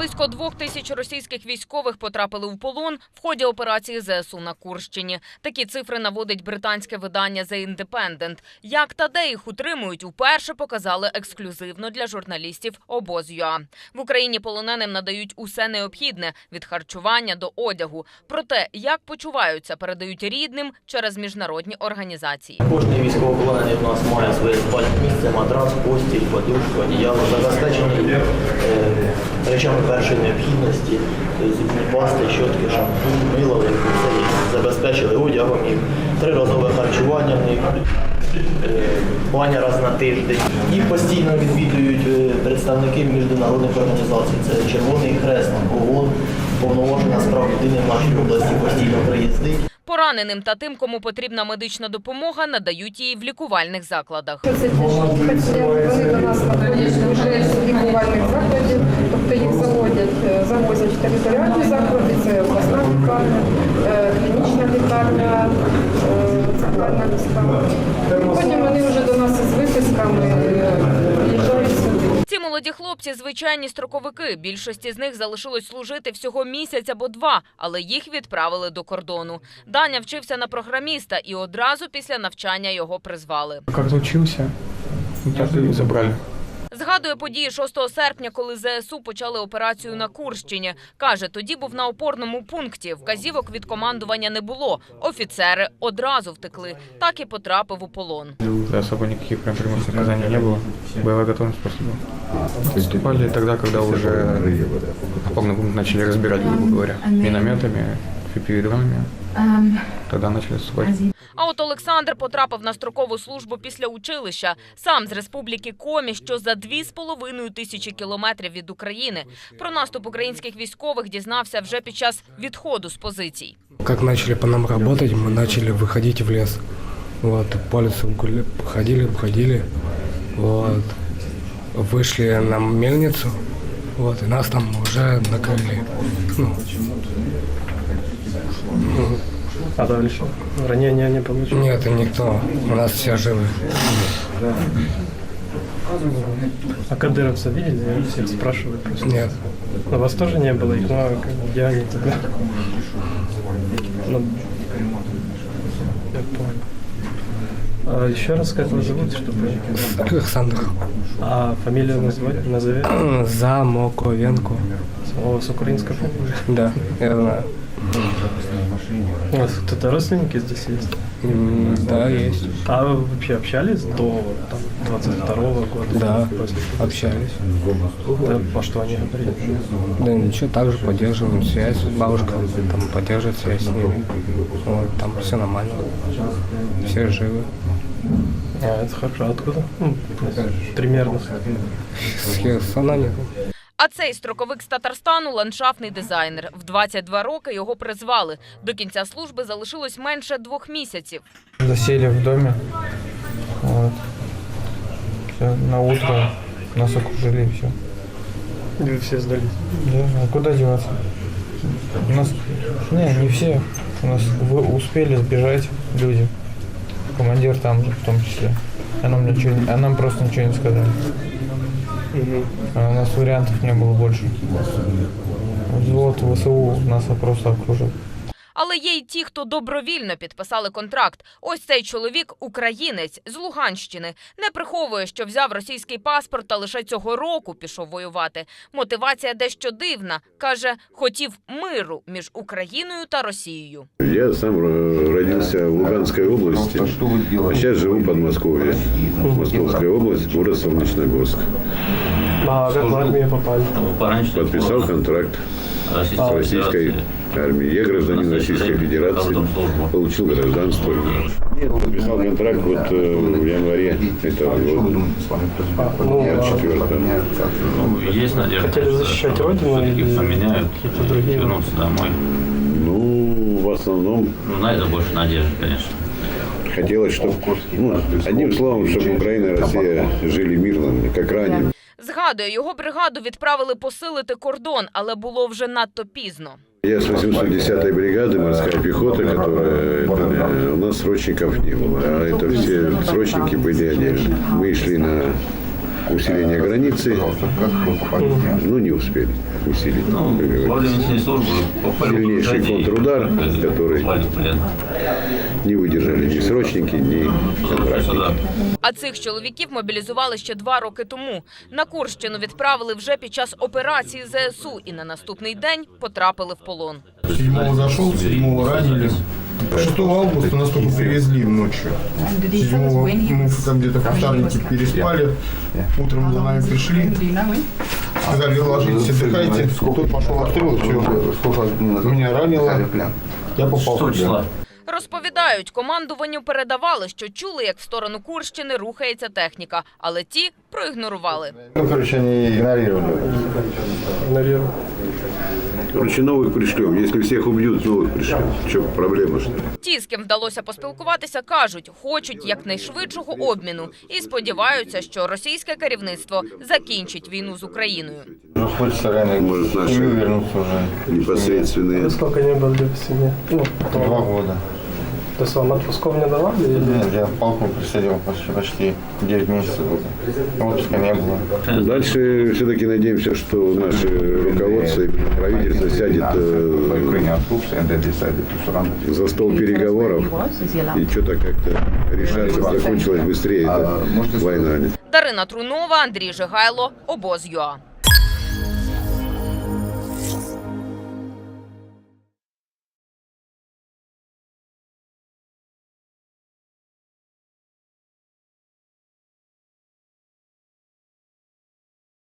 Близько 2000 російських військових потрапили у полон в ході операції ЗСУ на Курщині. Такі цифри наводить британське видання The Independent. Як та де їх утримують, уперше показали ексклюзивно для журналістів обоз.ua. В Україні полоненим надають усе необхідне – від харчування до одягу. Про те, як почуваються, передають рідним через міжнародні організації. Кожний військовополонений в нас має своє спальне місце, матрас, постіль, подушку, одіяло, забезпечений речами першої необхідності, зубні пасти, щотки, шампунь, мило, все їх забезпечили одягом, їх триразове харчування в них, баня раз на тиждень. Їх постійно відвідують представники міжнародних організацій. Це Червоний Хрест, ООН, повноважена з прав людини в нашій області постійно приїздить. Пораненим та тим, кому потрібна медична допомога, надають її в лікувальних закладах. Це ті, вони до нас знаходять вже з лікувальних закладів, тобто їх завозять в територіальні заклади, це обласна лікарня, клінічна лікарня, центральна міська. Потім вони вже до нас із виписками приїжджають сюди. Ці молоді хлопці – звичайні строковики. Більшості з них залишилось служити всього місяць або два, але їх відправили до кордону. Даня вчився на програміста і одразу після навчання його призвали. Як завчився, так і забрали. Згадує події 6 серпня, коли ЗСУ почали операцію на Курщині. Каже, тоді був на опорному пункті. Вказівок від командування не було. Офіцери одразу втекли. Так і потрапив у полон. Особо никаких прям прямых наказаний не было. Боевая готовность просто была. Выступали тогда, когда уже опорный пункт начали разбирать, грубо говоря, минометами, FPV-дронами. Тогда начали вступать. А от Олександр потрапив на строкову службу після училища. Сам з республіки Комі, що за 2500 кілометрів від України. Про наступ українських військових дізнався вже під час відходу з позицій. Как начали по нам работать, мы начали выходить в лес. Вот, по лесу ходили, вот, вышли на мельницу, вот, и нас там уже накрыли. А дальше? Ранения не получили? Нет, никто, у нас все живы. А кадыровцев видели? Всех спрашивают просто. Нет. Но вас тоже не было, их много, где они тогда? Ну, я понял. А еще раз, как вас зовут, чтобы... Александр. А фамилию назови? Замоковенко. У вас украинская фамилия? Да, я знаю. У вас кто-то родственники здесь есть? Да, есть. А вы вообще общались до 22-го года? Да, общались. Да, по что они говорили? Да ничего, также поддерживаем связь. Бабушка там поддерживает связь с ними. Вот, там все нормально. Все живы. А, это хорошо. Откуда? Примерно. С Херсона нет. А цей строковик з Татарстану – ландшафтний дизайнер. В 22 роки його призвали. До кінця служби залишилось менше 2 місяців. Засели в доме. Вот. Все, на утро нас окружили и все. И вы все сдались? Да, а куда деваться? У нас, не все. У нас успели сбежать люди. Командир там в том числе. А нам просто ничего не сказали. А у нас вариантов не было больше. Взвод ВСУ нас просто окружил. Але є й ті, хто добровільно підписали контракт. Ось цей чоловік – українець з Луганщини. Не приховує, що взяв російський паспорт та лише цього року пішов воювати. Мотивація дещо дивна. Каже, хотів миру між Україною та Росією. Я сам родился в Луганской области, а сейчас живу в Подмосковье. Московская область, город Солнечногорск. А как в армию попали? Подписал контракт с российской армией. Я гражданин Российской Федерации, получил гражданство. Нет, подписал контракт вот в январе этого года, 24-го. Есть надежда, Хотели защищать родину или поменяют, какие-то другие? вернуться домой. Ну, в основном На это больше надежды, конечно. хотелось, чтобы, одним словом, чтобы Украина и Россия жили мирно, как ранее. Згадує, його бригаду відправили посилити кордон, але було вже надто пізно. Я с 810-й бригады морская пехота, которая у нас срочников не было, а это все срочники были отдельно. Мы шли на усиления границы, ну не успели усилить. Ну, во время несения службы попали в Сильнейший окружение, контрудар, который попали в плен. не выдержали ни срочники, ни контрактники. А цих чоловіків мобілізували ще 2 роки тому. На Курщину відправили вже під час операції ЗСУ і на наступний день потрапили в полон. 7-го зашел, 7-го ранили. 6 августа нас только привезли ночью. 7-го мы там где-то в кустарнике переспали. Утром за нами пришли. Сказали, ложитесь, отдыхайте. Тут пошел обстрел, все. Меня ранило. Я попал в плен. Розповідають, командуванню передавали, що чули, як в сторону Курщини рухається техніка, але ті проігнорували. Ну, короче, они игнорировали. Наверное. Короче, новых пришлем. Если всех убьют, новых пришлем. Что, проблема что ли? Ті, з ким вдалося поспілкуватися, кажуть, хочуть якнайшвидшого обміну і сподіваються, що російське керівництво закінчить війну з Україною. Хочется реально Может, наши вернуться уже. непосредственные. Сколько не были в семье? Ну, 2 года. то есть вам отпусков не давали? Или... Нет, я палку присадил почти 9 месяцев. Отпуска не было. Дальше все-таки надеемся, что наше руководство и правительство сядет за стол переговоров и что-то как-то решается, закончилась быстрее эта война. Дарина Трунова, Андрій Жигайло, Обоз.ЮА.